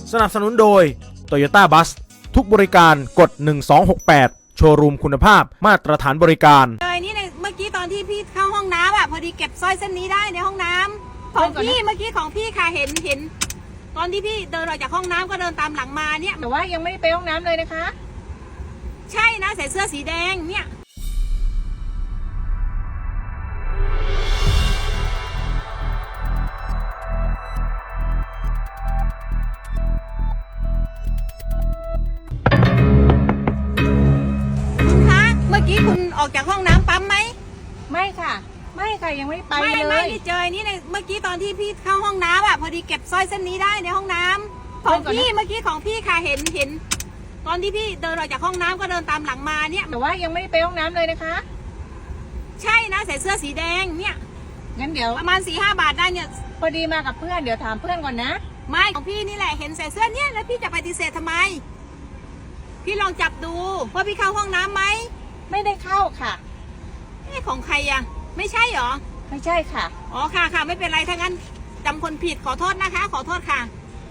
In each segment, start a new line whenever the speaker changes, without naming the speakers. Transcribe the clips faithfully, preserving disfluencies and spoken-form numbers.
สนับสนุนโดย Toyota Bus ทุกบริการกดหนึ่งสองหกแปดโชว์รูมคุณภาพมาตรฐานบริการ
เลยนี่ในเมื่อกี้ตอนที่พี่เข้าห้องน้ำอ่ะพอดีเก็บสร้อยเส้นนี้ได้ในห้องน้ำของพี่เมื่อกี้ของพี่ค่ะเห็นเห็นตอนที่พี่เดินออกจากห้องน้ำก็เดินตามหลังมาเนี่ย
แต่ว่ายังไม่ได้ไปห้องน้ำเลยนะคะ
ใช่นะใส่เสื้อสีแดงเนี่ยคุณคะเมื่อกี้คุณออกจากห้องน้ำปั๊มไหม
ไม่ค่ะไม่ค่ะยังไม่ได้ไปเลย
ไม่ไม่ที่เจอนี่ในเมื่อกี้ตอนที่พี่เข้าห้องน้ำอ่ะพอดีเก็บสร้อยเส้นนี้ได้ในห้องน้ำของพี่เมื่อกี้ของพี่ค่ะเห็นเห็นตอนที่พี่เดินออกจากห้องน้ำก็เดินตามหลังมาเนี่ย
แต่ว่ายังไม่ได้ไปห้องน้ำเลยนะคะ
ใช่นะใส่เสื้อสีแดงเนี่ย
งั้นเดี๋ยว
ประมาณสี่ห้าบาทได้เนี่ย
พอดีมากับเพื่อนเดี๋ยวถามเพื่อนก่อนนะ
ไม่ของพี่นี่แหละเห็นใส่เสื้อเนี่ยแล้วพี่จะปฏิเสธทำไมพี่ลองจับดูว่าพี่เข้าห้องน้ำไหม
ไม่ได้เข้าค่ะ
นี่ของใครอะไม่ใช่หรอ
ไม่ใช่ค่ะ
อ๋อค่ะค่ะไม่เป็นไรถ้างั้นจำคนผิดขอโทษนะคะขอโทษค่ะ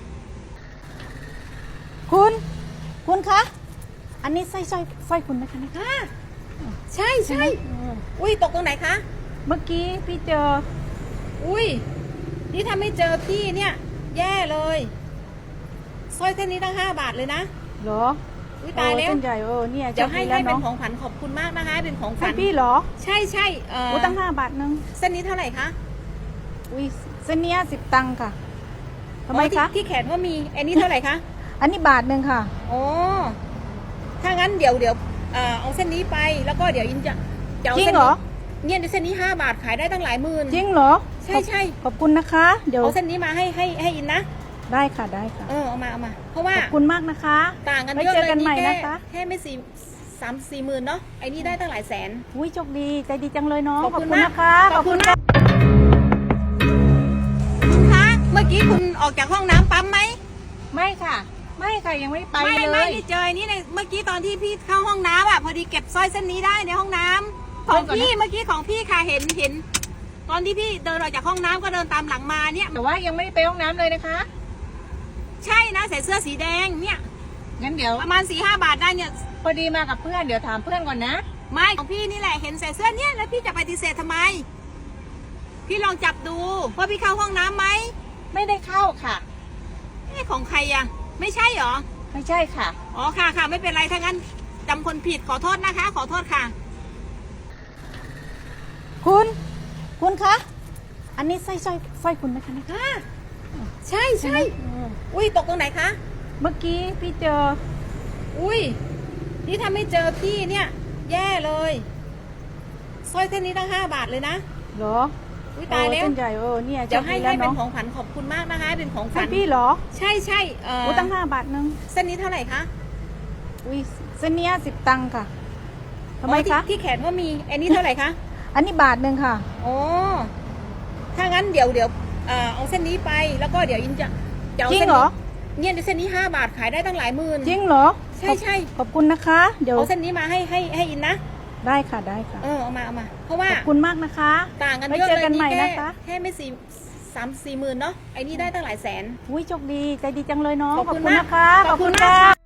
คุณคุณคะอันนี้สร้อยสร้อยสร้อยคุณไหมคะ
ค่ะใช่ใช่อุ้ยตกตรงไหนคะ
เมื่อกี้พี่เจอ
อุ้ยนี่ถ้าไม่เจอพี่เนี่ยแย่เลยสร้อยเส้นนี้ตั้งห้าบาทเลยนะ
เหรอ
อุ้ยตายแล้ว
เส้นใหญ่เออเนี่ย
เดี๋ยวให้ให้เป็นของขวัญขอบคุณมากนะคะเป็นของขวัญ
พี่เหรอ
ใช่ใช่เออ
ตั้งห้าบาทนึง
เส้นนี้เท่าไหร่คะ
อุ้ยเส้นนี้สิบตังค์ค่ะทำไมคะ
ที่แขนก็มีอันนี้เท่าไหร่คะ
อันนี้บาทหนึ่งค่ะ
โอ้ถ้างั้นเดี๋ยวเดี๋ยวเอาเส้นนี้ไปแล้วก็เดี๋ยวอินจะ
จริงเหรอ
เนี่ยเส้นนี้ห้าบาทขายได้ตั้งหลายหมื่น
จริงเหรอ
ใช่ใช่
ขอบคุณนะคะ
เดี๋ยวเอาเส้นนี้มาให้ให้ให้อินนะ
ได้ค่ะได้ค่ะ
เออเอามาเอามาเพราะว่า
ขอบคุณมากนะคะ
ต่างกันเยอะเลยนี่แค่แค่ไม่สี่สามสี่หมื่นเนาะไอ้นี่ได้ตั้งหลายแสน
อุ้ยโชคดีใจดีจังเลยเนาะ
ขอบคุณนะคะ
ขอบคุณค่ะ
คุณคะเมื่อกี้คุณออกจากห้องน้ำปั๊มไหม
ไม่ค่ะไม่ค่ะยังไม่ไป
เลยไม่ที่เจอนี่ในเมื่อกี้ตอนที่พี่เข้าห้องน้ำอ่ะพอดีเก็บสร้อยเส้นนี้ได้ในห้องน้ำของพี่เมื่อกี้ของพี่ค่ะเห็นเห็นตอนที่พี่เดินออกจากห้องน้ำก็เดินตามหลังมาเนี่ย
แต่ว่ายังไม่ได้ไปห้องน้ำเลยนะคะ
ใช่นะใส่เสื้อสีแดงเนี่ย
งั้นเดี๋ยว
ประมาณสี่ห้าบาทได้เนี่ย
พอดีมากับเพื่อนเดี๋ยวถามเพื่อนก่อนนะ
ไม่ของพี่นี่แหละเห็นใส่เสื้อเนี่ยแล้วพี่จะปฏิเสธทำไมพี่ลองจับดูว่าพี่เข้าห้องน้ำไหม
ไม่ได้เข้าค่ะ
นี่ของใครอะไม่ใช่หรอ
ไม่ใช่ค่ะ
อ๋อค่ะค่ะไม่เป็นไรถ้างั้นจำคนผิดขอโทษนะคะขอโทษค่ะ
คุณคุณคะอันนี้สร้อยสร้อยสร้อยคุณไหมคะ
ค่ะใช่ใช่อุ้ยตกตรงไหนคะ
เมื่อกี้พี่เจอ
อุ้ยนี่ถ้าไม่เจอพี่เนี่ยแย่เลยสร้อยเส้นนี้ตั้งห้าบาทเลยนะ
เหรอ
อุ้ยตายแล้ว
เส้นใหญ่เออเนี่ย
เดี๋ยวให้ให้เป็นของขวัญขอบคุณมากนะคะเป็นของขวัญ
พี่เหรอ
ใช่ใช่
เออตั้งห้าบาทนึง
เส้นนี้เท่าไหร่คะ
อุ้ยเส้นนี้สิบตังค์ค่ะทำไมคะ
ที่แขนก็มีอันนี้เท่าไหร่คะ
อันนี้บาทหนึ่งค่ะ
โอ้ถ้างั้นเดี๋ยวเดี๋ยวเอาเส้นนี้ไปแล้วก็เดี๋ยวอินจะ
จริงเหรอ
เนี่ยเส้นนี้ห้าบาทขายได้ตั้งหลายหมื่น
จริงเหรอ
ใช่ใช่
ขอบคุณนะคะ
เดี๋ยวเอาเส้นนี้มาให้ให้ให้อินนะ
ได้ค่ะได้ค่ะ
เออเอามาเอามาเพราะว่า
ขอบคุณมากนะคะ
ต่างกันเยอะเลยนี่แค่แค่ไม่สี่สามสี่หมื่นเนาะไอ้นี่ได้ตั้งหลายแสน
อุ้ยโชคดีใจดีจังเลยเนาะ
ขอบคุณนะคะ
ขอบคุณค่ะ